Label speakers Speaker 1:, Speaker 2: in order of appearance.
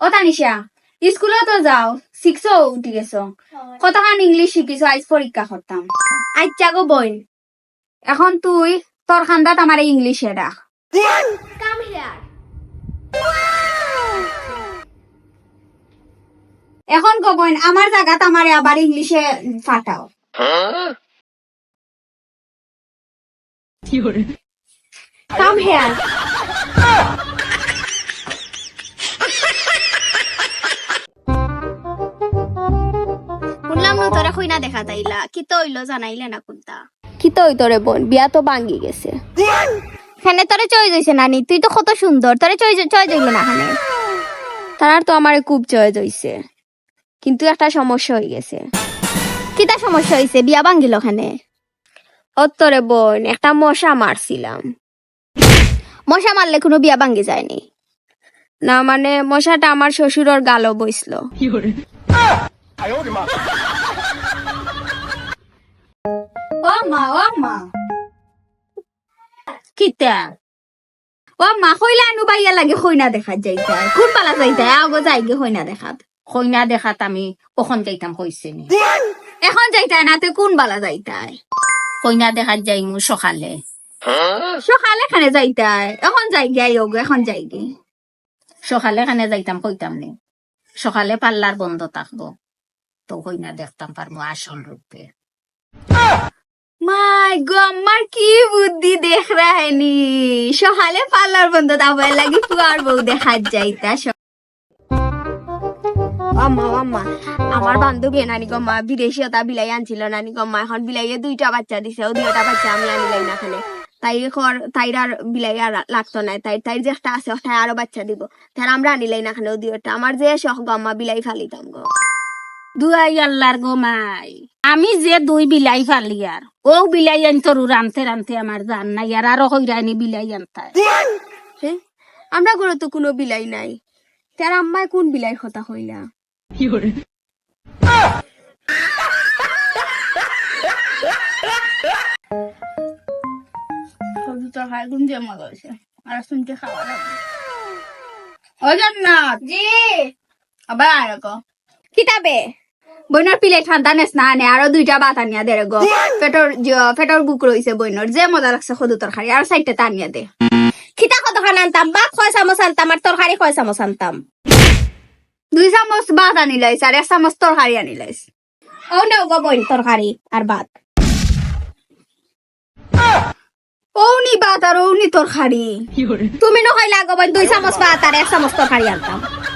Speaker 1: ও তানিশা স্কুলে তো যাও 6 উঠি গেছো কতখান ইংলিশ শিখিছো আজ পরীক্ষা করতাম আচ্ছা গো বইন এখন তুই তোর খান্দাত আমার ইংলিশে রাখ
Speaker 2: কাম হিয়ার
Speaker 1: এখন গো বইন আমার জায়গাত আমারে আবার ইংলিশে ফাটাও
Speaker 2: কাম হিয়ার শুনলাম তোরা কইনা দেখা তাইলা কি তো হইলো জানাইলে না কোনটা
Speaker 3: কি তো ওই তোরে বোন বিয়া তো ভাঙ্গি গেছে।
Speaker 2: খানে তোরে চয়েস হইছে নানি তুই তো কত সুন্দর তোরে চয়েস হইলো না খানে
Speaker 3: তার তো আমারে খুব চয়েস হইছে, কিন্তু একটা সমস্যা হয়ে গেছে।
Speaker 2: কিতা সমস্যা হইছে বিয়া ভাঙ্গিল খানে
Speaker 3: ও তোরে বোন একটা মশা মারছিলাম।
Speaker 2: মশা মারলে কোনো বিয়া ভাঙ্গি যায়নি।
Speaker 3: না মানে মশাটা আমার শ্বশুরের গালও বইছিল।
Speaker 1: ও মা কিতা ও মা কইলা আনু বাইয়া লাগে কইনা দেখা যাইতা কোন পালা যাইতা আগো যাইগে কইনা দেখাত
Speaker 4: কইনা দেখাত আমি কখন যাইতাম কইছে নি
Speaker 1: এখন যাইতা না তে কোন বালা যাইতা
Speaker 4: কইনা দেখাত যাইমু সকালে
Speaker 1: সকালে খানে যাইতা এখন যাই গিয়ে এখন যাই গে
Speaker 4: সকালে খানে যাইতাম কইতাম নি সকালে পাল্লার বন্ধ থাকবো তো কইনা দেখতাম পারবো আসল রূপে
Speaker 1: মাই গো আমার কি বুদ্ধি দেখ রাহেনি সকালে পার্লার বন্ধ তারপর লাগি পুয়ার বউ দেখা যাইতা
Speaker 3: আম্মা আম্মা আমার বান্ধবী নানি গম্মা বিদেশি ওটা বিলাই আনছিল নানি গম্মা এখন বিলাইয়ে 2টা বাচ্চা দিছে ও 2টা বাচ্চা আমি আনিলাই না খানে তাইর আর বিলাই আর লাগতো না তাই যে একটা আছে ওটা আরো বাচ্চা দিব তার আমরা আনিলাই না খানে ও 2টা আমার যে শখ গম্মা বিলাই ফালিতাম গো
Speaker 4: দুয়াই আল্লাহর গো মাই আমি যে 2 বিলাই ফালি আর ও বিলাই আন তোর রানতে রানতে আমার জান নাই আর আরো কইরানি বিলাই আনতা
Speaker 3: হ্যাঁ আমরা ঘরে তো কোনো বিলাই নাই তার আম্মায় কোন বিলাই কথা হইলা
Speaker 1: সবজিটা খাই গুন যে মজা হয়েছে আর শুনতে খাওয়া লাগবে ও জান্নাত
Speaker 2: জি
Speaker 1: আবার আয় গো
Speaker 2: কিতাবে
Speaker 1: বইনর পিলে ঠান্ডা নেস না আনে আরো 2টা ভাত আনিয়া দে রে গো পেটর বুক রইছে বইনর যে মজা লাগছে সদু তরকারি আর 4টা টানিয়া দে
Speaker 2: খিতা কত খান আনতাম বা 6 চামচ আনতাম আর তরকারি 6 চামচ আনতাম
Speaker 1: 2 চামচ ভাত আনিলাইছ আর 1 চামচ তরকারি আনিলাইছ
Speaker 2: ও নাও গো বইন তরকারি আর ভাত
Speaker 1: ওনি ভাত আর ওনি তরকারি
Speaker 2: তুমি নহইলা গো বইন 2 চামচ ভাত আর 1 চামচ তরকারি আনতাম